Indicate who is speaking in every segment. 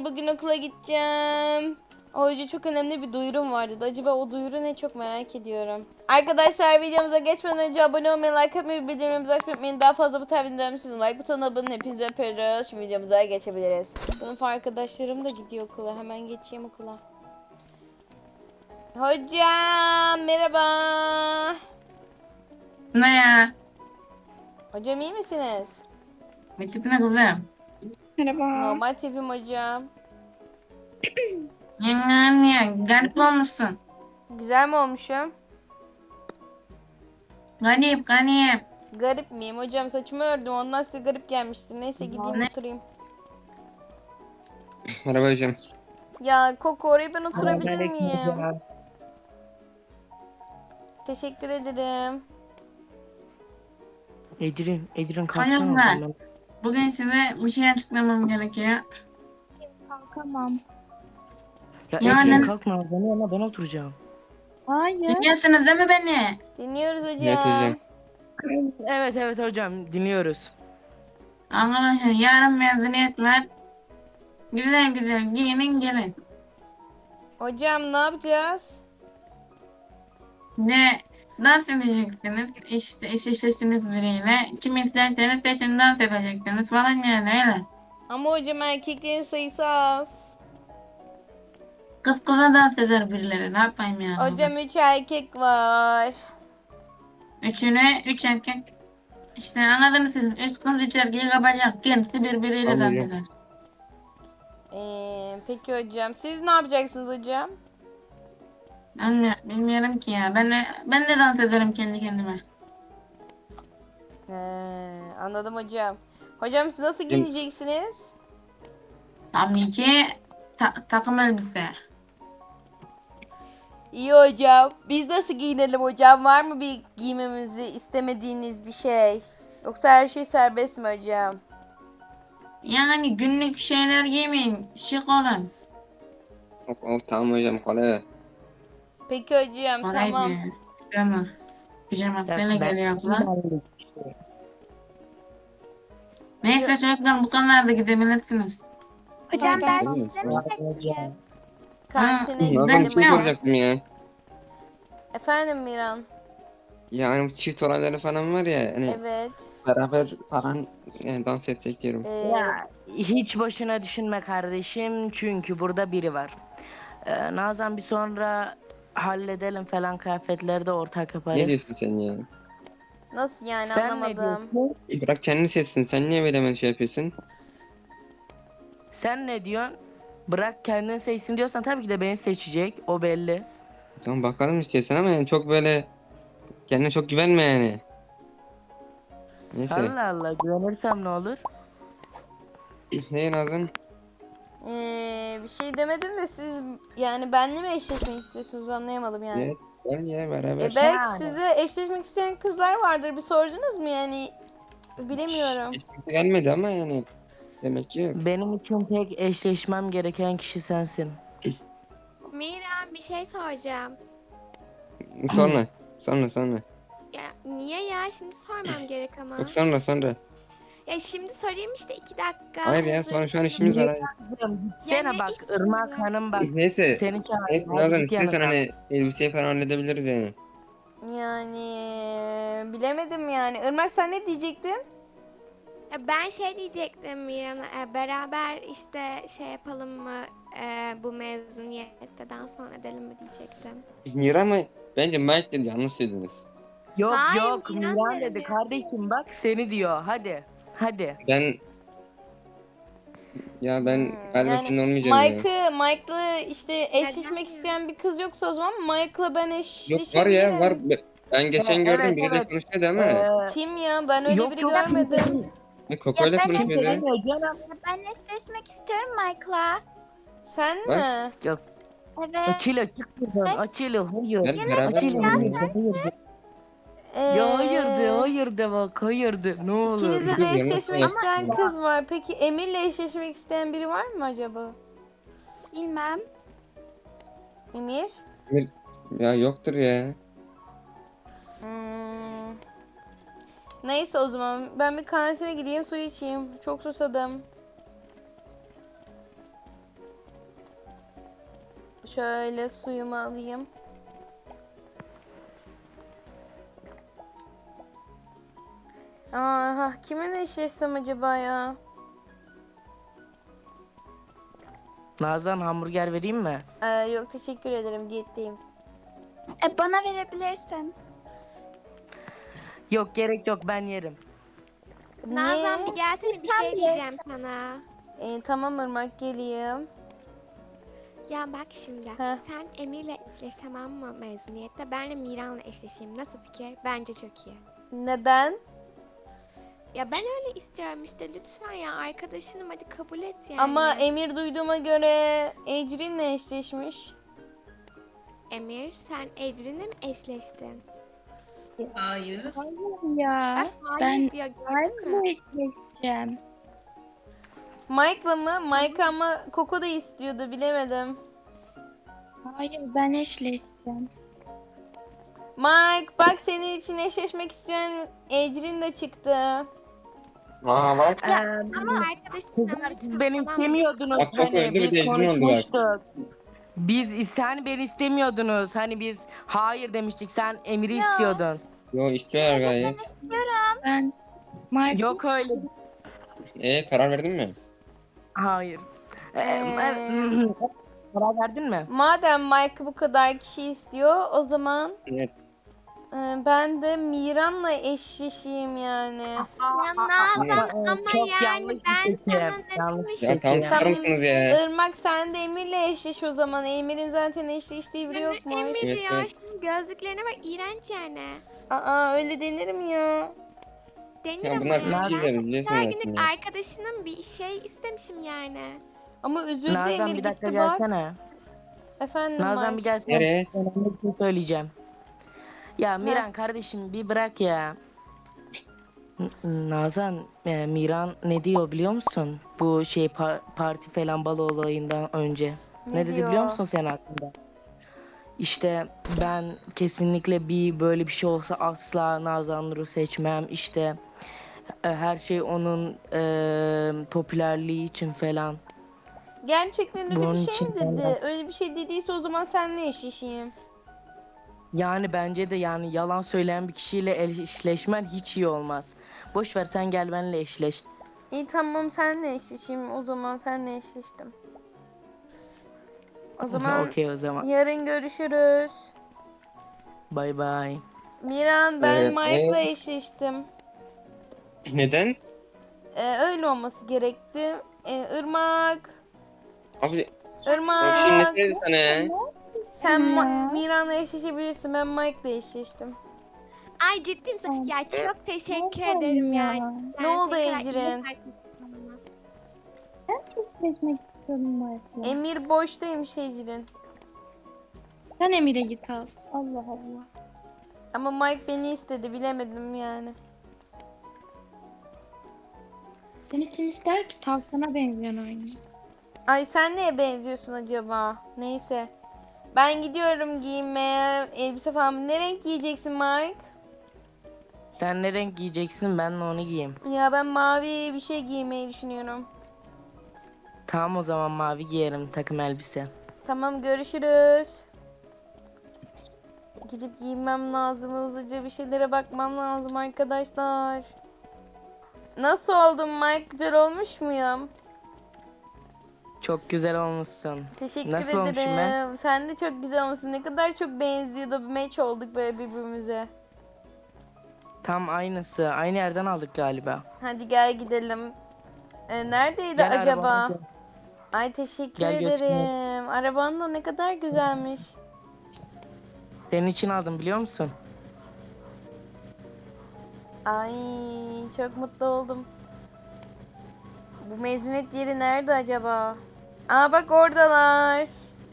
Speaker 1: bugün okula gideceğim. Hoca çok önemli bir duyurum vardı. Acaba o duyuru ne, çok merak ediyorum. Arkadaşlar videomuza geçmeden önce abone olmayı, like atmayı, bildirimlerimizi açmayı unutmayın. Daha fazla bu tarz videolarımı sizin like butonuna abone olun. Hepinizi öpüyoruz. Şimdi videomuza geçebiliriz. Sınıf arkadaşlarım da gidiyor okula. Hemen geçeyim okula. Hocam merhaba.
Speaker 2: Ne ya?
Speaker 1: Hocam iyi misiniz?
Speaker 2: Bir tipine kızım.
Speaker 3: Merhaba.
Speaker 1: Normal tipim hocam.
Speaker 2: Yani garip olmuşsun.
Speaker 1: Güzel mi olmuşum?
Speaker 2: Garip garip.
Speaker 1: Garip miyim hocam? Saçımı ördüm, ondan size garip gelmiştir. Neyse gideyim
Speaker 2: Ne?
Speaker 1: oturayım.
Speaker 4: Merhaba hocam.
Speaker 1: Ya Koko, oraya ben oturabilir
Speaker 3: Selamünaleyküm
Speaker 1: miyim?
Speaker 3: hocam.
Speaker 1: Teşekkür ederim.
Speaker 3: Ecrin kalksana
Speaker 2: Çocuklar.
Speaker 3: oradan.
Speaker 2: Bugün size bir şey açıklamam gerekiyor.
Speaker 5: Kalkamam.
Speaker 3: Ya
Speaker 2: Yani-
Speaker 3: Ecrin kalkma, ben oturacağım.
Speaker 5: Hayır.
Speaker 2: Dinliyorsunuz değil mi beni?
Speaker 1: Dinliyoruz hocam.
Speaker 4: Evet hocam.
Speaker 3: Evet hocam, dinliyoruz.
Speaker 2: Arkadaşlar yarın mezuniyet var. Güzel güzel giyinin gelin.
Speaker 1: Hocam ne yapacağız?
Speaker 2: Ne dans edeceksiniz. İşte eşleştiniz biriyle. Kim isterseniz seçin dans edeceksiniz falan yani öyle.
Speaker 1: Ama hocam erkeklerin sayısı az.
Speaker 2: Kız kıza dans eder birileri. Ne yapayım yani?
Speaker 1: Hocam 3 erkek var.
Speaker 2: Üç erkek. İşte anladınız siz. 3 kız 3 erkeği kapacak. Kendisi birbiriyle dans
Speaker 4: Anladım.
Speaker 2: eder.
Speaker 1: Peki hocam siz ne yapacaksınız hocam?
Speaker 2: Bilmiyorum ki ya. Ben de dans ederim kendi kendime.
Speaker 1: Anladım hocam. Hocam siz nasıl giyineceksiniz?
Speaker 2: Tabii ki takım elbise.
Speaker 1: İyi hocam. Biz nasıl giyinelim hocam? Var mı bir giymemizi istemediğiniz bir şey? Yoksa her şey serbest mi hocam?
Speaker 2: Yani günlük şeyler giymeyin. Şık olun.
Speaker 4: Tamam hocam kolay.
Speaker 1: Peki hocam
Speaker 2: Kolay
Speaker 1: tamam.
Speaker 2: değil. Pijama. Pijama
Speaker 3: Ya
Speaker 2: böyle geliyor falan.
Speaker 3: ben-
Speaker 2: Neyse çocuklar bu konularda gidebilirsiniz.
Speaker 5: Hocam
Speaker 3: Ben-
Speaker 5: ders
Speaker 4: Ben-
Speaker 5: izlemeyecek miyiz?
Speaker 1: Kantine
Speaker 2: Ha,
Speaker 4: Nazan bir
Speaker 1: gidelim
Speaker 4: şey
Speaker 2: Tamam.
Speaker 1: hocam.
Speaker 4: soracaktım ya.
Speaker 1: Efendim Miran?
Speaker 4: Yani bu çift olayları falan var ya. Hani
Speaker 1: Evet.
Speaker 4: beraber falan yani dans etsek diyorum.
Speaker 3: Ya hiç boşuna düşünme kardeşim, çünkü burada biri var. Nazan bir sonra halledelim falan, kıyafetleri de ortak yaparız.
Speaker 4: Ne diyorsun sen ya?
Speaker 1: Nasıl yani,
Speaker 3: Sen ne
Speaker 1: anlamadım.
Speaker 3: diyorsun?
Speaker 4: Bırak kendi seçsin. Sen niye böyle hemen şey yapıyorsun?
Speaker 3: Sen ne diyorsun? Bırak kendini seçsin diyorsan tabii ki de beni seçecek. O belli.
Speaker 4: Tamam bakalım istiyorsan ama yani çok böyle kendine çok güvenme yani. Neyse.
Speaker 3: Allah Allah, güvenirsem ne olur?
Speaker 4: Ne Nazan?
Speaker 1: Bir şey demedim de siz yani benimle mi eşleşmek istiyorsunuz, anlayamadım yani.
Speaker 4: Evet. Gel ya beraber.
Speaker 1: Belki
Speaker 3: Yani.
Speaker 1: sizde eşleşmek isteyen kızlar vardır, bir sordunuz mu yani, bilemiyorum.
Speaker 4: Hiç kimse gelmedi ama yani. Demek ki yok.
Speaker 3: Benim için tek eşleşmem gereken kişi sensin.
Speaker 6: Miran, bir şey soracağım.
Speaker 4: Sonra. Sonra.
Speaker 6: Ya niye ya? Şimdi sormam gerek ama.
Speaker 4: Yok sonra.
Speaker 6: Ya şimdi sorayım işte 2 dakika.
Speaker 4: Hayır ya
Speaker 6: hazır
Speaker 4: sonra şu an
Speaker 6: mısın?
Speaker 4: işimiz var. Hayır.
Speaker 3: Gitsene
Speaker 6: ne
Speaker 3: bak,
Speaker 6: işiniz
Speaker 3: Irmak
Speaker 6: var?
Speaker 3: Hanım bak.
Speaker 4: Neyse.
Speaker 3: Seni
Speaker 4: Neyse
Speaker 3: çağırıyor.
Speaker 4: Nazan
Speaker 3: Hadi git
Speaker 4: istiyorsan
Speaker 3: yanına.
Speaker 4: hani elbiseyi falan halledebiliriz yani.
Speaker 1: Yani bilemedim yani. Irmak sen ne diyecektin?
Speaker 6: Ya ben şey diyecektim Miran'a. Beraber işte şey yapalım mı? Bu mezuniyette dans falan edelim mi diyecektim.
Speaker 4: Mira mı? Bence Mike dedi, yanlış söylediniz.
Speaker 3: Yok
Speaker 6: Hayır,
Speaker 3: yok,
Speaker 6: Miran
Speaker 3: Miran
Speaker 6: derim
Speaker 3: dedi
Speaker 6: ya.
Speaker 3: kardeşim, bak seni diyor. Hadi.
Speaker 4: Ben galiba
Speaker 1: Yani
Speaker 4: senin olmayacağım ya.
Speaker 1: Mike'la işte eşleşmek
Speaker 6: Neden?
Speaker 1: isteyen bir kız yoksa o zaman Mike'la ben
Speaker 4: Yok var ya var.
Speaker 1: eşleşebilirim.
Speaker 4: Ben geçen gördüm
Speaker 3: Evet,
Speaker 4: biriyle
Speaker 3: evet.
Speaker 4: konuşuyordu ama.
Speaker 1: Kim ya? Ben öyle
Speaker 3: Yok
Speaker 1: biri
Speaker 3: yok,
Speaker 1: görmedim.
Speaker 4: Koko'yla
Speaker 5: ben
Speaker 3: Kimse
Speaker 4: konuşuyordu.
Speaker 3: demiyor canım.
Speaker 5: Ben eşleşmek istiyorum Michael'la.
Speaker 1: Sen
Speaker 4: Bak.
Speaker 1: mi?
Speaker 3: Yok.
Speaker 5: Evet.
Speaker 3: Açıyla çık buradan. Açıyla hayır.
Speaker 4: Ben beraber
Speaker 3: Açıyla
Speaker 4: mi
Speaker 3: hayır.
Speaker 4: oynayalım?
Speaker 3: Hayır. Ya hayır de bak, hayır de ne olur.
Speaker 1: İkinizle
Speaker 4: Kız
Speaker 1: de
Speaker 4: yanlış
Speaker 1: eşleşmek
Speaker 4: yaptı.
Speaker 1: isteyen kız var. Peki Emir'le eşleşmek isteyen biri var mı acaba?
Speaker 5: Bilmem.
Speaker 1: Emir?
Speaker 4: Ya yoktur ya.
Speaker 1: Hmm. Neyse o zaman ben bir kantine gideyim, su içeyim. Çok susadım. Şöyle suyumu alayım. Aha, kiminle eşleşsem acaba ya?
Speaker 3: Nazan hamburger vereyim mi?
Speaker 1: Yok teşekkür ederim, diyetteyim.
Speaker 5: Bana verebilirsin.
Speaker 3: Yok gerek yok, ben yerim.
Speaker 6: Nazan bir gelsene, bir
Speaker 5: Sen
Speaker 6: şey
Speaker 5: ye.
Speaker 6: diyeceğim sana.
Speaker 1: Tamam Irmak, geleyim.
Speaker 6: Ya bak şimdi,
Speaker 1: Heh.
Speaker 6: sen Emir'le eşleş, tamam mı, mezuniyette? Ben de Miran'la eşleşeyim. Nasıl fikir? Bence çok iyi.
Speaker 1: Neden?
Speaker 6: Ya ben öyle istiyorum işte, lütfen ya, arkadaşınım, hadi kabul et yani.
Speaker 1: Ama Emir duyduğuma göre Ecrin'le eşleşmiş.
Speaker 6: Emir, sen Ecrin'le mi eşleştin?
Speaker 5: Hayır ya.
Speaker 6: Bak, hayır
Speaker 5: Ben
Speaker 6: diyor, gördün mü?
Speaker 5: eşleşeceğim.
Speaker 1: Mike'la mı? Mike ama Coco da istiyordu, bilemedim.
Speaker 5: Hayır ben eşleşeceğim.
Speaker 1: Mike bak, senin için eşleşmek isteyen Ecrin de çıktı.
Speaker 4: Aa bak.
Speaker 6: Ama arkadaşınım,
Speaker 3: Kızlar,
Speaker 6: lütfen,
Speaker 3: siz beni
Speaker 6: tamam mı?
Speaker 3: istemiyordunuz.
Speaker 4: Bak, bak, öldü, bir
Speaker 3: biz
Speaker 4: de Ecrin oldu bak.
Speaker 3: konuşmuştuk. Hani beni istemiyordunuz. Hani biz hayır demiştik. Sen Emir'i istiyordun.
Speaker 4: Yo, istiyorlar gayet.
Speaker 5: Ben Michael
Speaker 3: Yok öyle.
Speaker 4: Karar verdin mi?
Speaker 3: Hayır. Karar verdin mi?
Speaker 1: Madem Mike bu kadar kişi istiyor, o zaman
Speaker 4: Evet.
Speaker 1: ben de Miran'la eşleşeyim yani.
Speaker 6: Ya Nazan, ama
Speaker 3: Çok
Speaker 6: yani
Speaker 3: yanlış bir
Speaker 6: ben
Speaker 3: seçim.
Speaker 6: sana ne
Speaker 3: Yanlış
Speaker 6: demiştim?
Speaker 4: Ya tamam,
Speaker 3: Tamam.
Speaker 4: susar mısınız ya?
Speaker 1: Irmak, sen de Emir'le eşleş o zaman. Emir'in zaten eşleştiği biri
Speaker 6: Yani
Speaker 1: yokmuş.
Speaker 6: Emir
Speaker 4: Evet,
Speaker 6: ya,
Speaker 4: evet.
Speaker 6: şunun gözlüklerine bak, iğrenç yani.
Speaker 1: Aa, öyle denir mi ya?
Speaker 6: Denir
Speaker 4: Ya
Speaker 6: ama
Speaker 4: bunlar
Speaker 6: yani.
Speaker 4: bir şey de biliyorsun
Speaker 6: Her
Speaker 4: zaten
Speaker 6: günlük
Speaker 4: ya.
Speaker 6: arkadaşının bir şey istemişim yani.
Speaker 1: Ama üzüldü
Speaker 3: Nazan
Speaker 1: Emir,
Speaker 3: bir dakika
Speaker 1: gitti bak.
Speaker 3: gelsene.
Speaker 1: Efendim
Speaker 3: Nazan bir
Speaker 1: Mike.
Speaker 3: gelsene.
Speaker 4: Nereye?
Speaker 3: Önemli bir şey söyleyeceğim. Ya Miran kardeşim bir bırak ya. Nazan, Miran ne diyor biliyor musun? Bu şey parti falan balo olayından önce. Ne dedi biliyor
Speaker 1: diyor?
Speaker 3: musun sen hakkında? İşte ben kesinlikle böyle bir şey olsa asla Nazan Nur'u seçmem. İşte her şey onun popülerliği için falan.
Speaker 1: Gerçekten öyle
Speaker 3: Bunun
Speaker 1: bir şey
Speaker 3: için
Speaker 1: mi dedi?
Speaker 3: ben-
Speaker 1: Öyle bir şey dediyse o zaman seninle eşleşeyim.
Speaker 3: Yani bence de yani yalan söyleyen bir kişiyle eşleşmen hiç iyi olmaz. Boş ver sen gel benimle eşleş.
Speaker 1: İyi tamam, seninle eşleşeyim. O zaman seninle eşleştim. O zaman
Speaker 3: Okey o zaman.
Speaker 1: yarın görüşürüz.
Speaker 3: Bay bay.
Speaker 1: Miran, ben
Speaker 4: Evet,
Speaker 1: Mike'la eşleştim.
Speaker 4: Neden?
Speaker 1: Öyle olması gerekti. Irmak.
Speaker 4: Abi o
Speaker 1: Irmak.
Speaker 4: şey nesiydi sana ya?
Speaker 1: Sen Miran'la eşleşebilirsin. Ben Mike'la eşleştim.
Speaker 6: Ay, ciddi misin? Ya çok teşekkür ederim yani.
Speaker 1: Ne oldu
Speaker 6: kadar iyi
Speaker 1: Ecrin?
Speaker 6: arkadaşım olmaz.
Speaker 5: eşleşmek istiyorum Michael.
Speaker 1: Emir boştaymış Ecrin.
Speaker 5: Sen Emir'e git al. Allah Allah.
Speaker 1: Ama Mike beni istedi, bilemedim yani.
Speaker 5: Seni kim ister ki? Tavşana benziyorsun aynı.
Speaker 1: Ay, sen neye benziyorsun acaba? Neyse. Ben gidiyorum giyinmeye. Elbise falan. Ne renk giyeceksin Mike?
Speaker 3: Sen ne renk giyeceksin ben de onu giyeyim.
Speaker 1: Ya ben mavi bir şey giymeyi düşünüyorum.
Speaker 3: Tamam o zaman mavi giyerim takım elbise.
Speaker 1: Tamam, görüşürüz. Gidip giyinmem lazım. Hızlıca bir şeylere bakmam lazım arkadaşlar. Nasıl oldum Mike? Güzel olmuş muyum?
Speaker 3: Çok güzel olmuşsun.
Speaker 1: Teşekkür
Speaker 3: Nasıl olmuşum ben?
Speaker 1: ederim. Sen de çok güzel olmuşsun. Ne kadar çok benziyordu. Bir match olduk böyle birbirimize.
Speaker 3: Tam aynısı. Aynı yerden aldık galiba.
Speaker 1: Hadi gel gidelim. Neredeydi
Speaker 3: Gel
Speaker 1: acaba?
Speaker 3: arabama gel.
Speaker 1: Ay, teşekkür
Speaker 3: Gel götüreyim.
Speaker 1: ederim. Araban da ne kadar güzelmiş.
Speaker 3: Senin için aldım biliyor musun?
Speaker 1: Ay, çok mutlu oldum. Bu mezuniyet yeri nerede acaba? Aa, bak oradalar.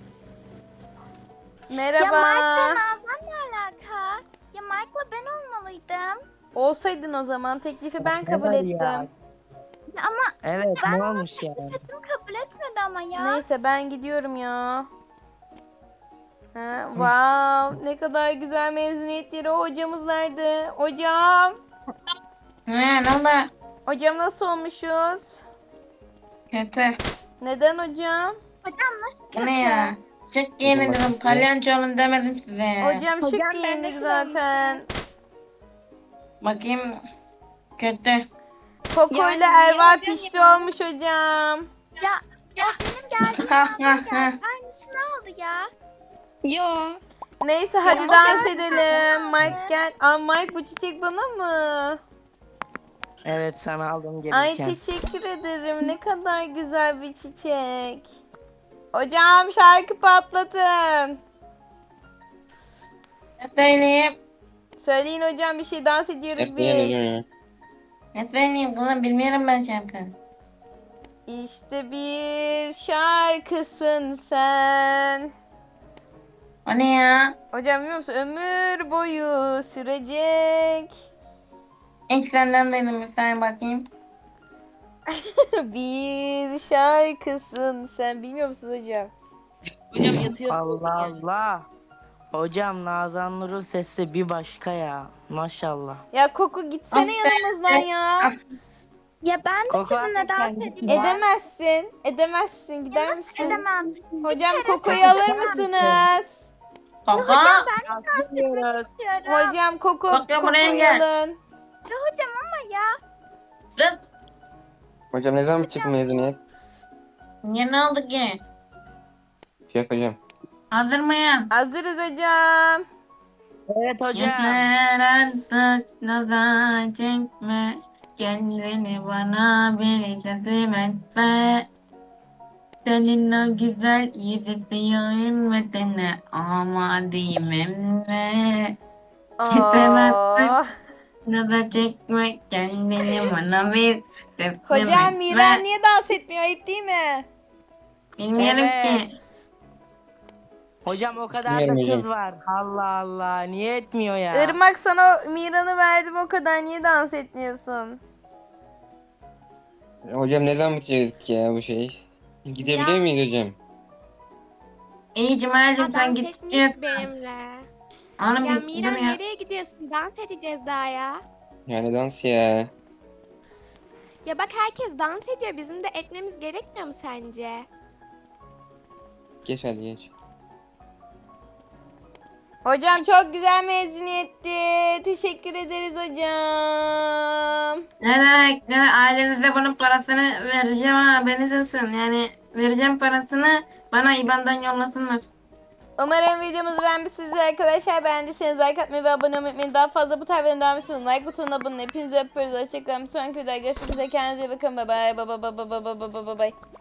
Speaker 1: Merhaba.
Speaker 5: Ya Michael'la Nazan ne alaka? Ya Michael'la ben olmalıydım.
Speaker 1: Olsaydın o zaman teklifi ben kabul
Speaker 3: var
Speaker 1: ettim.
Speaker 3: ya?
Speaker 5: Ya ama
Speaker 3: Evet ne olmuş ya?
Speaker 5: dedim kabul etmedi ama ya.
Speaker 1: Neyse, ben gidiyorum ya. Ha, wow, ne kadar güzel mezuniyet yeri. Hocamız nerede? Hocam.
Speaker 2: Ne oldu?
Speaker 1: Hocam nasıl olmuşuz?
Speaker 2: Kötü.
Speaker 1: Neden hocam?
Speaker 5: Hocam nasıl
Speaker 2: Bu
Speaker 5: kötü?
Speaker 2: ne ya? Şık giyinin
Speaker 4: Hocam
Speaker 2: dedim.
Speaker 4: bak-
Speaker 2: Palyaço olun demedim size.
Speaker 1: Hocam şık
Speaker 6: Hocam, ben
Speaker 1: giyindik
Speaker 6: nasıl
Speaker 1: zaten.
Speaker 2: Bakayım. Kötü.
Speaker 1: Koko ile
Speaker 6: Yani niye
Speaker 1: Erva
Speaker 6: hocam
Speaker 1: pişti
Speaker 6: ya?
Speaker 1: olmuş hocam.
Speaker 5: Ya o benim geldiğim
Speaker 2: Ha,
Speaker 5: anda
Speaker 2: ha,
Speaker 5: geldi.
Speaker 2: ha.
Speaker 5: Aynısını aldı ya.
Speaker 6: Yo.
Speaker 1: Neyse hadi
Speaker 5: Ya,
Speaker 1: dans
Speaker 5: hocam,
Speaker 1: edelim. Mike gel. Aa Mike bu çiçek bana mı?
Speaker 3: Evet sana aldım
Speaker 1: Ay
Speaker 3: gelirken.
Speaker 1: teşekkür ederim. Ne kadar güzel bir çiçek. Hocam şarkı patlatın.
Speaker 2: Ne söyleyeyim?
Speaker 1: Söyleyin hocam bir şey dans ediyoruz
Speaker 4: Esneyen hocam
Speaker 1: biz.
Speaker 4: ya.
Speaker 2: Ne söyleyeyim kızım bilmiyorum ben şarkı.
Speaker 1: İşte bir şarkısın sen.
Speaker 2: O ne ya?
Speaker 1: Hocam biliyor musun? Ömür boyu sürecek.
Speaker 2: İlk senden duydum bir saniye bakayım.
Speaker 1: Bir şarkısın sen. Bilmiyor musunuz hocam?
Speaker 7: Hocam yatıyorsun.
Speaker 3: Allah Allah. Hocam Nazan Nur'un sesi bir başka ya. Maşallah.
Speaker 1: Ya Koku gitsene
Speaker 2: Aferin.
Speaker 1: yanımızdan ya.
Speaker 5: Ya ben de
Speaker 3: Koko
Speaker 5: sizinle dans
Speaker 3: hakikaten
Speaker 5: edeceğim.
Speaker 1: Edemezsin. Edemezsin. Gider
Speaker 5: Nasıl
Speaker 1: misin?
Speaker 5: edemem?
Speaker 1: Hocam Koko'yu
Speaker 3: Koko
Speaker 1: alır
Speaker 3: sen
Speaker 1: mısınız?
Speaker 2: Kaka.
Speaker 3: Yazmıyoruz.
Speaker 5: İstiyorum.
Speaker 1: Hocam Koko,
Speaker 2: Koko buraya
Speaker 1: Koko'yu
Speaker 2: gel.
Speaker 1: alın.
Speaker 5: Ya hocam ama ya.
Speaker 2: Sus.
Speaker 4: Hocam ne zaman bitecek mezuniyet?
Speaker 2: Niye ne oldu ki?
Speaker 4: Şey yapacağım.
Speaker 2: Hazır mıyız?
Speaker 1: Hazırız hocam.
Speaker 3: Evet hocam.
Speaker 2: Yeter artık nazar çekme. Kendini bana bir teslim etme. Senin o güzel yüzü suyun ve tene ama emre. Yeter artık
Speaker 1: Oh.
Speaker 2: nazar çekme. Kendini bana bir teslim
Speaker 1: Hocam
Speaker 2: etme.
Speaker 1: Miran niye dans etmiyor? Ayıp değil mi?
Speaker 2: Bilmiyorum
Speaker 1: Evet.
Speaker 2: ki.
Speaker 3: Hocam o kadar da
Speaker 4: Bilmiyorum
Speaker 3: kız
Speaker 4: hocam.
Speaker 3: var. Allah Allah. Niye etmiyor ya?
Speaker 1: Irmak sana Miran'ı verdim o kadar. Niye dans etmiyorsun?
Speaker 4: Hocam ne zaman bitecek ya bu şey? Gidebiliyor
Speaker 6: Ya.
Speaker 4: muyuz hocam?
Speaker 2: İyi Cumali
Speaker 6: Aa,
Speaker 2: sen
Speaker 6: dans
Speaker 2: gideceğiz.
Speaker 6: etmiyoruz benimle.
Speaker 2: Oğlum
Speaker 6: Ya
Speaker 2: dur
Speaker 6: Miran
Speaker 2: ya.
Speaker 6: nereye gidiyorsun? Dans edeceğiz daha ya.
Speaker 4: Yani dans ya.
Speaker 6: Ya bak herkes dans ediyor. Bizim de etmemiz gerekmiyor mu sence?
Speaker 4: Geç hadi geç.
Speaker 1: Hocam çok güzel mezuniyetti. Teşekkür ederiz hocam.
Speaker 2: Ne demek? Ne ailenize bunun parasını vereceğim ha haberiniz olsun. Yani vereceğim parasını bana IBAN'dan yollasınlar.
Speaker 1: Umarım videomuzu beğenmişsiniz arkadaşlar. Beğendiyseniz like atmayı ve abone olmayı unutmayın. Daha fazla bu tarz videoların devam için like butonuna abone olun. Hepinizi öpüyoruz. Hoşçakalın. Bir sonraki videoda görüşmek üzere. Kendinize iyi bakın. Bye bye. Bye bye bye bye bye bye bye bye.